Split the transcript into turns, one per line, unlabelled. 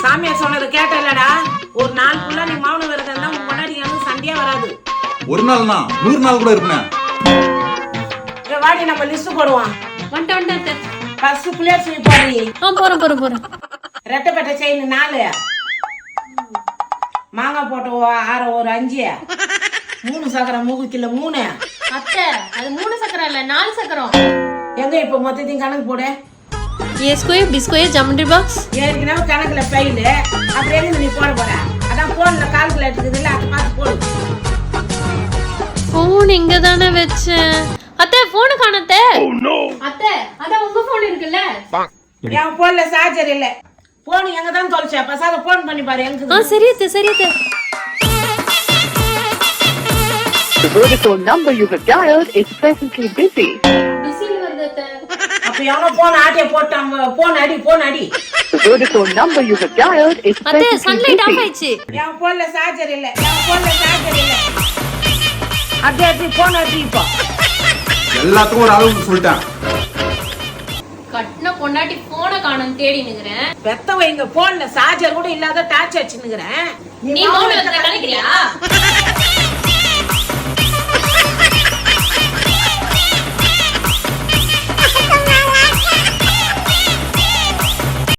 சாமியா சொன்னது கேட்டலடா. ஒரு நாள் ஃபுல்லா நீ மௌன விரதம் இருந்தா உன் முன்னாடி எனக்கு சண்டையே வராது.
ஒரு நாள்னா 100 நாள் கூட இருப்பேன்.
வாடி நம்ம லிஸ்ட் போடுவோம்.
வந்துட்டேன்.
ஃபர்ஸ்ட் பிளேட் ஸ்வீப் போடி.
போறேன்.
ரெட்டப்பட்ட செயின் 4, மாங்காய் போட்ட ஒரு 5, 3 சக்கரம் மூக்குல 3.
அத்தை அது 3 சக்கரம் இல்ல 4 சக்கரம்.
எங்க இப்ப மொத்தத்தையும் கணக்கு போடு.
A square, B square, geometry box.
ஏற்கனவே கணக்குல ஃபெயில். அப்புறம் எங்க நீ போட போற? அதான் போன்ல கால்குலேட்டர் இருக்குதுல்ல, அதை பார்த்து போடு.
போன் இங்க தானே வச்சேன். அத்தை போன் காணோம். அத்தை அதான் உங்க போன் இருக்குல்ல.
என் போன்ல சார்ஜர் இல்ல. போன் எங்க தான் தொலைச்ச? பசாத போன் பண்ணி பாரு எங்க.
சரி அத்தை.
The Vodafone number you have dialed is presently busy.
பிஸில வருது அத்தை.
அப்ப எவனோ போன் ஆட்டிய போட்டாங்க. போன் அடி.
The Vodafone number you have dialed is
அத்தை
presently
சன்லைட் ஆஃப்
busy.
ஆயிடுச்சு.
என் போன்ல சார்ஜர் இல்ல. அடி போன் அடி இப்போ.
எல்லாத்துக்கும் ஒரு அளவு சொல்லிட்டேன்.
கட்டின பொண்டாட்டி போனை காணோம் தேடி நிக்கிறேன்.
பெத்தவங்க போன்ல சார்ஜர் கூட இல்லாத டார்ச் வச்சுன்னுக்குறேன்.
நீ மௌன விரதம் கலைக்கிறியா?